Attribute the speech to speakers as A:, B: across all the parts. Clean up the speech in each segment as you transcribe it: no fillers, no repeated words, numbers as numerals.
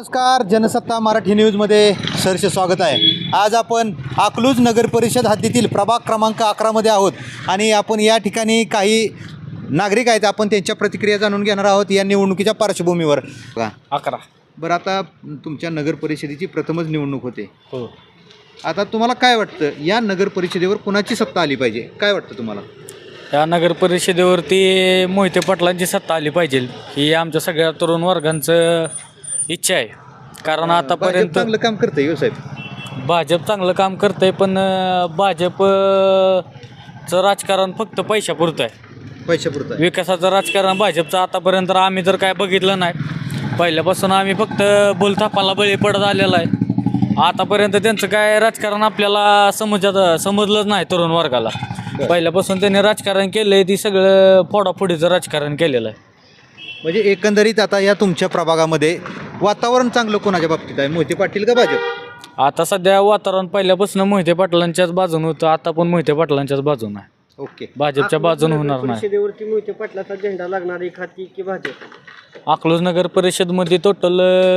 A: नमस्कार, जनसत्ता मराठी न्यूजमध्ये सहर्ष स्वागत आहे. आज आपण अकलूज नगर परिषद हद्दीतील प्रभाग क्रमांक 11 मध्ये आहोत आणि आपण या ठिकाणी काही नागरिक आहेत, आपण त्यांच्या प्रतिक्रिया जाणून घेणार आहोत या निवडणुकीच्या पार्श्वभूमीवर.
B: 11.
A: बरं, आता तुमच्या नगर परिषदेची प्रथमच निवडणूक होते.
B: हो.
A: आता तुम्हाला काय वाटतं, या नगर परिषदेवर कुणाची सत्ता आली पाहिजे, काय वाटतं तुम्हाला?
B: या नगर परिषदेवरती मोहिते पाटलांची सत्ता आली पाहिजे ही आमच्या सगळ्या तरुण वर्गांचं इच्छा आहे. कारण आतापर्यंत
A: चांगलं काम करतंय हो साहेब.
B: भाजप चांगलं काम करतंय, पण भाजपचं राजकारण फक्त पैशापुरतं आहे.
A: पैशापुरतं आहे.
B: विकासाचं राजकारण भाजपचं आतापर्यंत आम्ही तर काय बघितलं नाही. पहिल्यापासून आम्ही फक्त बोलथापाला बळी पडत आलेला आहे. आतापर्यंत त्यांचं काय राजकारण आपल्याला समजलंच नाही तरुण वर्गाला. पहिल्यापासून त्यांनी राजकारण केलं आहे ती सगळं फोडाफोडीचं राजकारण केलेलं आहे.
A: म्हणजे एकंदरीत आता या तुमच्या प्रभागामध्ये वातावरण चांगलं कोणाच्या बाबतीत आहे, मोहिते पाटील का भाजप?
B: आता सध्या वातावरण पहिल्यापासून मोहिते पाटलांच्याच बाजून होतं, आता पण मोहिते पाटलांच्याच बाजून आहे.
A: ओके.
B: भाजपच्या बाजून होणार नाही.
C: परिषदेवरती मोहिते पाटलाचा झेंडा लागणार एखादी की भाजप?
B: अकलूज नगर परिषदमध्ये टोटल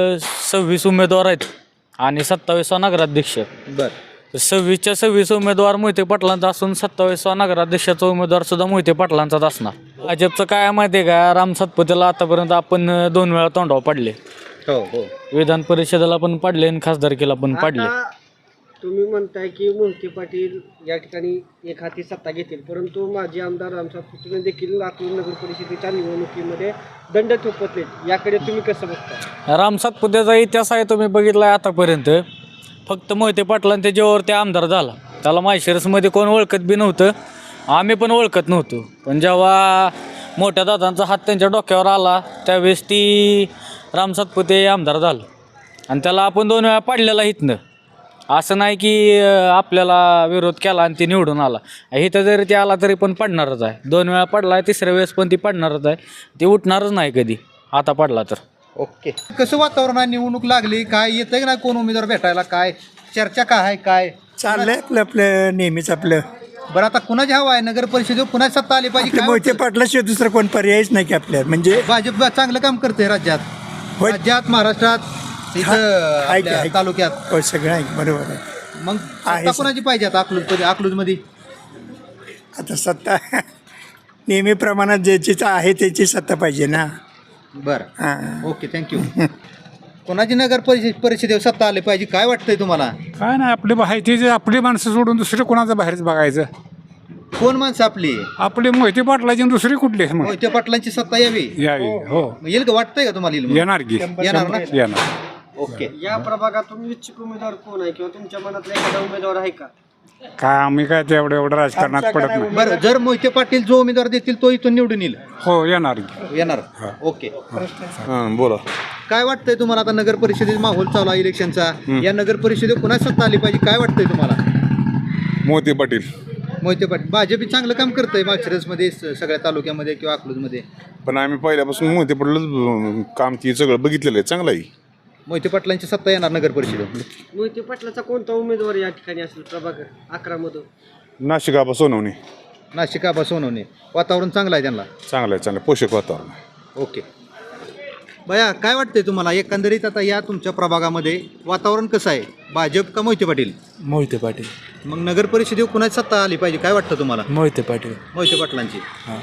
B: 26 उमेदवार आहेत आणि 27वा नगराध्यक्ष.
A: बरं.
B: 26च्या 26 उमेदवार मोहिते पाटलांचा असून 27वा नगराध्यक्षाचा उमेदवार सुद्धा मोहिते पाटलांचाच असणार. भाजपचं काय माहिती आहे का, राम सातपुतेला आतापर्यंत आपण 2 वेळा तोंडावर पाडले.
A: हो हो.
B: विधान परिषदेला पण पाडले आणि खासदारकीला पण पाडले.
C: आता तुम्ही म्हणताय की मोहिते पाटील या ठिकाणी एक हाती सत्ता घेतील, परंतु माजी आमदार राम सातपुते देखील अकलूज नगर परिषदेच्या निवडणुकीमध्ये दंड थोपवले. याकडे तुम्ही कसं बघता?
B: राम सातपुतेचा इतिहास आहे तुम्ही बघितला आहे आतापर्यंत. फक्त मोहिते पाटलांच्या त्याच्यावर ते आमदार झाला. त्याला माळशिरसमध्ये कोण ओळखत बी नव्हतं, आम्ही पण ओळखत नव्हतो. पण जेव्हा मोठ्या दादांचा हात त्यांच्या डोक्यावर आला त्यावेळेस ती राम सातपुते आमदार झालं आणि त्याला आपण 2 वेळा पाडलेला इथनं. असं नाही की आपल्याला विरोध केला आणि ती निवडून आला. इथं जरी ते आला तरी पण पडणारच आहे. 2 वेळा पडला आहे, 3ऱ्या वेळेस पण ती पडणारच आहे. ती उठणारच नाही कधी आता पडला तर.
A: ओके. कसं वातावरण आहे, निवडणूक लागली, काय येतंय की नाही कोण उमेदवार भेटायला, काय चर्चा काय आहे, काय
D: चाललंय आपलं नेहमीच आपलं.
A: बरं, आता कुणाची हवा आहे नगर परिषदेवर, कुणाची सत्ता आली पाहिजे, काय
D: मोहिते
A: वाटतं?
D: पाटलाशिवाय दुसरं कोण पर्यायच नाही की आपल्याला. म्हणजे
A: भाजप चांगलं काम करते राज्यात,
D: होय.
A: राज्यात, महाराष्ट्रात, इथं
D: आहे की
A: आपल्या
D: आहे.
A: तालुक्यात.
D: हो, सगळं आहे बरोबर आहे.
A: मग
D: आहे
A: सत्ता
D: सर.
A: कुणाची पाहिजे आता अकलूजमध्ये?
D: आता सत्ता नेहमीप्रमाणात ज्याची आहे त्याची सत्ता पाहिजे ना.
A: बरं.
D: हां.
A: Okay, thank you. कोणाची नगर परिषदेवर सत्ता आली पाहिजे, काय वाटतंय तुम्हाला?
E: काय नाही, आपली माहिती जे आपली माणसं सोडून दुसरं कोणाचं बाहेरच बघायचं.
A: कोण माणसं आपली?
E: आपली मोहिते पाटलाची आणि दुसरी कुठली मग
A: मोहिते पाटलांची सत्ता यावी,
E: यावी. हो,
A: मग येईल का, वाटतंय का तुम्हाला येईल म्हणून?
E: येणार की
A: येणार ना?
E: येणार.
A: ओके.
C: या प्रभागातून इच्छुक उमेदवार कोण आहे किंवा तुमच्या मनातला एखादा उमेदवार आहे का?
E: काय आम्ही काय ते एवढं राजकारणात पडत नाही.
A: बरं, जर मोहिते पाटील जो उमेदवार देतील तो इथून निवडून येईल,
E: हो, येणार की.
A: येणार. ओके.
F: बोला.
A: काय वाटतंय तुम्हाला, आता नगर परिषदेचा माहोल चालू आहे इलेक्शनचा, या नगर परिषदेत कुणाची सत्ता आली पाहिजे, काय वाटतंय तुम्हाला?
F: मोहिते पाटील.
A: मोहिते पाटील. भाजप चांगलं काम करतंय माळशिरसमध्ये, सगळ्या तालुक्यामध्ये किंवा अकलूजमध्ये.
F: पण आम्ही पहिल्यापासून मोहिते पाटीलच काम ती सगळं बघितलेलं आहे, चांगलं आहे.
A: मोहिते पाटलांची सत्ता येणार नगर परिषदेत.
C: मोहिते पाटलाचा कोणता उमेदवार या ठिकाणी असेल प्रभाग 11 मधून?
F: नाशिक आबा सोनवणे.
A: नाशिक आबा सोनवणे. वातावरण चांगलं आहे त्यांना.
F: चांगलं आहे, चांगलं आहे. पोषक वातावरण आहे.
A: ओके. बया, काय वाटतंय तुम्हाला एकंदरीत आता या तुमच्या प्रभागामध्ये वातावरण कसं आहे, भाजप का मोहिते पाटील?
G: मोहिते पाटील.
A: मग नगर परिषदेवर कुणाची सत्ता आली पाहिजे, काय वाटतं तुम्हाला?
G: मोहिते पाटील.
A: मोहिते पाटलांची.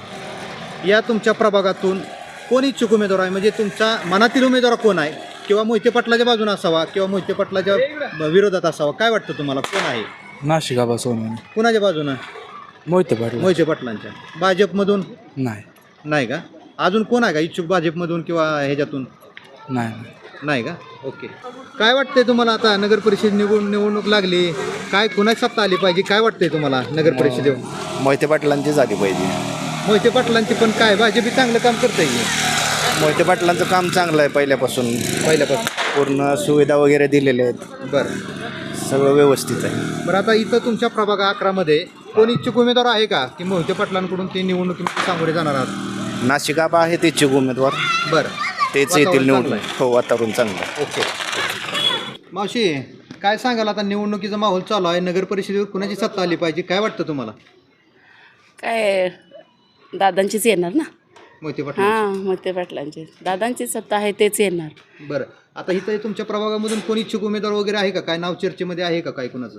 A: या तुमच्या प्रभागातून कोण इच्छुक उमेदवार आहे, म्हणजे तुमच्या मनातील उमेदवार कोण आहे, किंवा मोहिते पाटलाच्या बाजूने असावा किंवा मोहिते पाटलाच्या विरोधात असावा, काय वाटतं तुम्हाला, कोण आहे?
G: नाशिक आबा सोनवणे.
A: कुणाच्या बाजूनं?
G: मोहिते पाटील.
A: मोहिते पाटलांच्या. भाजपमधून
G: नाही.
A: नाही का? अजून कोण आहे का इच्छुक भाजपमधून किंवा ह्याच्यातून?
G: नाही.
A: नाही का? ओके. काय वाटतंय तुम्हाला, आता नगर परिषद निवडणूक लागली, काय कुणाची सत्ता आली पाहिजे, काय वाटतंय तुम्हाला नगर परिषदेवर?
G: मोहिते पाटलांची झाली पाहिजे.
A: मोहिते पाटलांची, पण काय भाजप चांगलं काम करतंय की?
G: मोहिते पाटलांचं काम चांगलं आहे पहिल्यापासून. पूर्ण सुविधा वगैरे दिलेल्या आहेत.
A: बरं.
G: सगळं व्यवस्थित आहे.
A: बरं, आता इथं तुमच्या प्रभाग 11 मध्ये कोण इच्छुक उमेदवार आहे का, की मोहिते पाटलांकडून ते निवडणुकीमध्ये सामोरे जाणार आहात?
G: नाशिक आबा आहेत इच्छुक उमेदवार,
A: बरं.
G: तेच
A: वातावरण
G: येतील निवडून.
A: चांगलं आहे.
G: हो, वातावरण चांगलं आहे.
A: ओके. मावशी, काय सांगाल, आता निवडणुकीचा माहोल चालू आहे, नगर परिषदेवर कुणाची सत्ता आली पाहिजे, काय वाटतं तुम्हाला?
H: काय दादांचीच येणार ना.
A: मोहिते पाटील.
H: हां, मोहिते पाटलांची दादांची सत्ता आहे तेच येणार.
A: बरं, आता इथं तुमच्या प्रभागामधून कोणी इच्छुक उमेदवार वगैरे आहे का? काय नाव चर्चेमध्ये आहे का काय कुणाचं?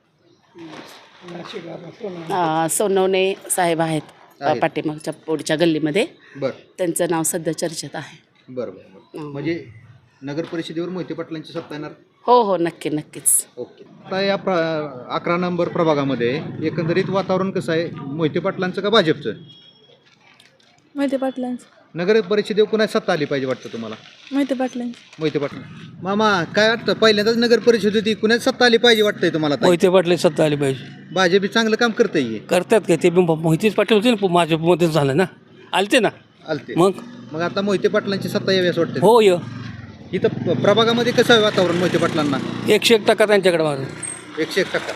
H: सोनवणे साहेब आहेत
A: आहेत.
H: पाठीमागच्या पुढच्या गल्लीमध्ये.
A: बरं
H: त्यांचं नाव सध्या चर्चेत आहे.
A: बरं बरं बरं. म्हणजे नगर परिषदेवर मोहिते पाटलांची सत्ता येणार.
H: हो हो नक्की नक्कीच.
A: ओके. आता या 11 नंबर प्रभागामध्ये एकंदरीत वातावरण कसं आहे, मोहिते पाटलांचं का भाजपचं?
I: मोहिते पाटलांचं.
A: नगर परिषदेवर कुणाची सत्ता आली पाहिजे वाटतं तुम्हाला?
I: मोहिते पाटलांचं.
A: मोहिते पाटील. मामा काय वाटतं, पहिल्यांदाच नगर परिषद होती, कुणाची सत्ता आली पाहिजे वाटतंय तुम्हाला? ताई?
J: मोहिते पाटील सत्ता आली पाहिजे.
A: भाजप चांगलं काम करतंय.
J: करतात का ते? मोहितेच पाटील होते ना, माझ्या झालं ना, आलते ना.
A: आलते.
J: मग
A: मग आता मोहिते पाटलांची सत्ता यावी असं वाटतं.
J: हो य
A: इथं प्रभागामध्ये कसं आहे वातावरण मोहिते पाटलांना?
J: 101% त्यांच्याकडे मारून.
A: 101%.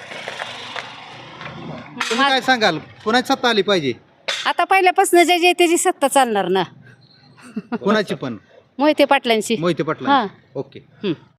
A: तुम्ही काय सांगाल, कुणाची सत्ता आली पाहिजे?
K: आता पहिल्यापासून जे त्याची सत्ता चालणार ना.
A: कुणाची पण?
K: मोहिते पाटलांची.
A: मोहिते पाटलांची. ओके.